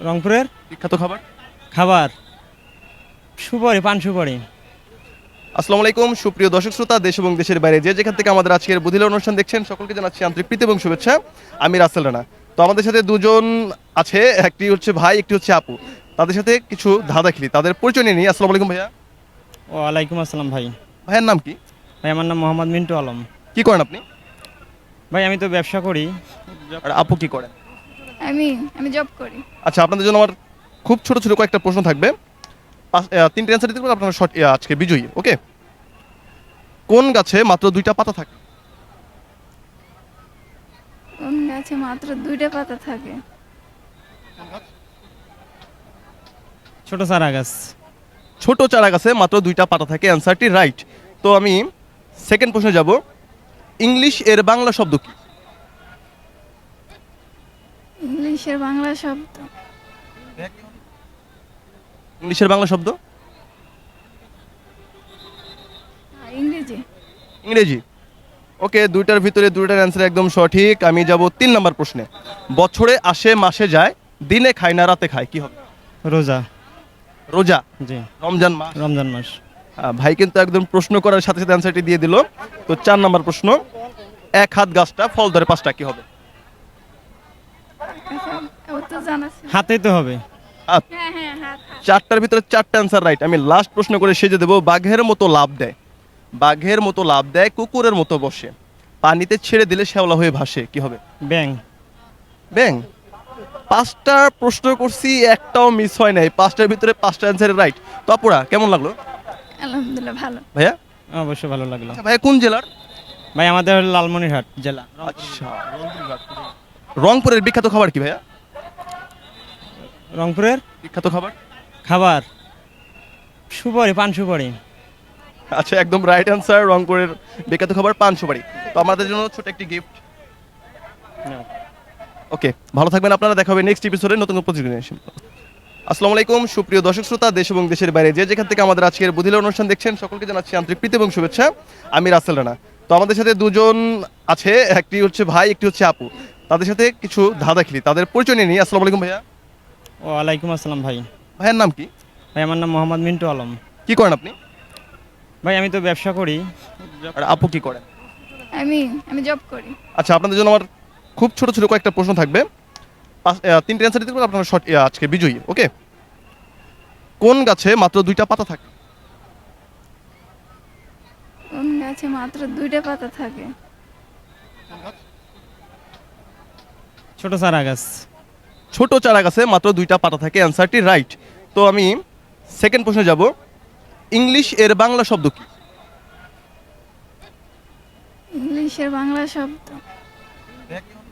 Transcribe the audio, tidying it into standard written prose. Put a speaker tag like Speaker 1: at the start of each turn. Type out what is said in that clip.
Speaker 1: রংপুরের
Speaker 2: বিখ্যাত খাবার।
Speaker 1: খাবার সুপারি, পান সুপারি।
Speaker 2: আসসালামু আলাইকুম সুপ্রিয় দর্শক শ্রোতা, দেশ এবং দেশের বাইরে যে যেখান থেকে আমাদের আজকের বুধিলা অনুষ্ঠান দেখছেন সকলকে জানাচ্ছি আন্তরিক প্রীতি এবং শুভেচ্ছা। আমি রাসেল রানা। তো আমাদের সাথে দুজন আছে, একটি হচ্ছে ভাই, একটি হচ্ছে আপু। তাদের সাথে কিছু ধাঁধা খেলি, তাদের পরিচয় নিয়ে নিই। আসসালামু আলাইকুম ভাইয়া।
Speaker 1: ওয়ালাইকুম আসসালাম ভাই।
Speaker 2: ভাইয়ের নাম কি?
Speaker 1: ভাই আমার নাম মোহাম্মদ মিন্টু আলম।
Speaker 2: কি করেন আপনি?
Speaker 1: ভাই আমি তো ব্যবসা করি।
Speaker 2: আর আপু কি করেন?
Speaker 3: আমি আমি জব করি।
Speaker 2: আচ্ছা, আপনাদের জন্য আমার খুব ছোট ছোট কয়েকটা প্রশ্ন থাকবে। তিনটে অ্যান্সার দিতে পারলে আপনারা আজকে বিজয়ী। ওকে। কোন গাছে মাত্র দুইটা পাতা থাকে?
Speaker 3: কোন গাছে মাত্র দুইটা পাতা থাকে?
Speaker 1: ছোট চারা গাছ।
Speaker 2: ছোট চারা গাছে মাত্র দুইটা পাতা থাকে, অ্যান্সারটি রাইট। তো আমি সেকেন্ড প্রশ্নে যাব। ইংলিশ এর বাংলা শব্দ কি?
Speaker 3: ইংলিশের বাংলা শব্দ
Speaker 2: ইংলিশের বাংলা শব্দ
Speaker 3: ইংরেজি।
Speaker 2: ইংরেজি। ওকে, দুইটার ভিতরে দুইটার অ্যান্সার একদম সঠিক। আমি যাব 3 নম্বর প্রশ্নে। বছরে আসে মাসে যায়, দিনে খায় না রাতে খায়, কি হবে?
Speaker 1: রোজা।
Speaker 2: রোজা।
Speaker 1: জি।
Speaker 2: রমজান মাস।
Speaker 1: রমজান মাস।
Speaker 2: ভাই কিন্তু একদম প্রশ্ন করার সাথে সাথে অ্যান্সারটি দিয়ে দিল। তো 4 নম্বর প্রশ্ন। এক হাত গাছটা ফল ধরে পাঁচটা, কি হবে?
Speaker 3: আচ্ছা, ও তো জানা ছিল।
Speaker 1: হাতেই তো হবে।
Speaker 2: হাত।
Speaker 3: হ্যাঁ হ্যাঁ হাত হাত।
Speaker 2: চারটার ভিতরে চারটা অ্যান্সার রাইট। আমি লাস্ট প্রশ্ন করে সেজে দেবো। বাঘের মতো লাভ দেয়, বাঘের মতো লাভ দেয়, কুকুরের মতো বসে, পানিতে ছেড়ে দিলে শ্যাওলা হয়ে ভাসে, কি হবে?
Speaker 1: ব্যাং।
Speaker 2: ব্যাং। 5টা প্রশ্ন করছি, একটাও মিস হয় নাই। 5টার ভিতরে 5টা অ্যান্সার রাইট। তো আপুরা কেমন লাগলো
Speaker 3: আলহামদুলিল্লাহ ভালো।
Speaker 2: ভাইয়া?
Speaker 1: অবশ্যই ভালো লাগলো।
Speaker 2: আচ্ছা ভাইয়া, কোন জেলার?
Speaker 1: ভাই আমাদের লালমনিরহাট জেলা।
Speaker 2: আচ্ছা, রংপুরের বিখ্যাত খাবার কি ভাইয়া?
Speaker 1: রংপুরের
Speaker 2: বিখ্যাত খাবার।
Speaker 1: খাবার সুপারি, পান সুপারি।
Speaker 2: আচ্ছা, একদম রাইট অ্যান্সার। রংপুরের বিখ্যাত খাবার পান সুপারি। তো আমাদের জন্য ছোট একটি গিফট। ওকে, ভালো থাকবেন আপনারা। দেখা হবে নেক্সট এপিসোডে নতুন প্রতিযোগিতা নিয়ে। আসসালামু আলাইকুম সুপ্রিয় দর্শক শ্রোতা, দেশ এবং দেশের বাইরে যে যেখান থেকে আমাদের আজকের বুধিলা অনুষ্ঠান দেখছেন সকলকে জানাচ্ছি আন্তরিক প্রীতি এবং শুভেচ্ছা। আমি রাসেল রানা। তো আমাদের সাথে দুজন আছে, একটি হচ্ছে ভাই, একটি হচ্ছে আপু। তাদের সাথে কিছু ধাঁধা খেলি, তাদের পরিচয় নিয়ে নিই। আসসালামু আলাইকুম ভাইয়া।
Speaker 1: ওয়ালাইকুম আসসালাম ভাই।
Speaker 2: ভাইয়ের নাম কি?
Speaker 1: ভাই আমার নাম মোহাম্মদ মিন্টু আলম।
Speaker 2: কি করেন আপনি?
Speaker 1: ভাই আমি তো ব্যবসা করি।
Speaker 2: আর আপু কি করেন?
Speaker 3: আমি আমি জব করি।
Speaker 2: আচ্ছা, আপনাদের জন্য আমার খুব ছোট ছোট কয়েকটা প্রশ্ন থাকবে। তিনটে অ্যান্সার দিতে পারলে আপনারা আজকে বিজয়ী। ওকে। কোন গাছে মাত্র দুইটা পাতা থাকে?
Speaker 3: কোন গাছে মাত্র দুইটা পাতা থাকে?
Speaker 1: ছোট চারা গাছ।
Speaker 2: ছোট চারা গাছে মাত্র দুইটা পাতা থাকে, অ্যান্সারটি রাইট। তো আমি সেকেন্ড প্রশ্নে যাব। ইংলিশ এর বাংলা শব্দ কি?
Speaker 3: ইংলিশের বাংলা শব্দ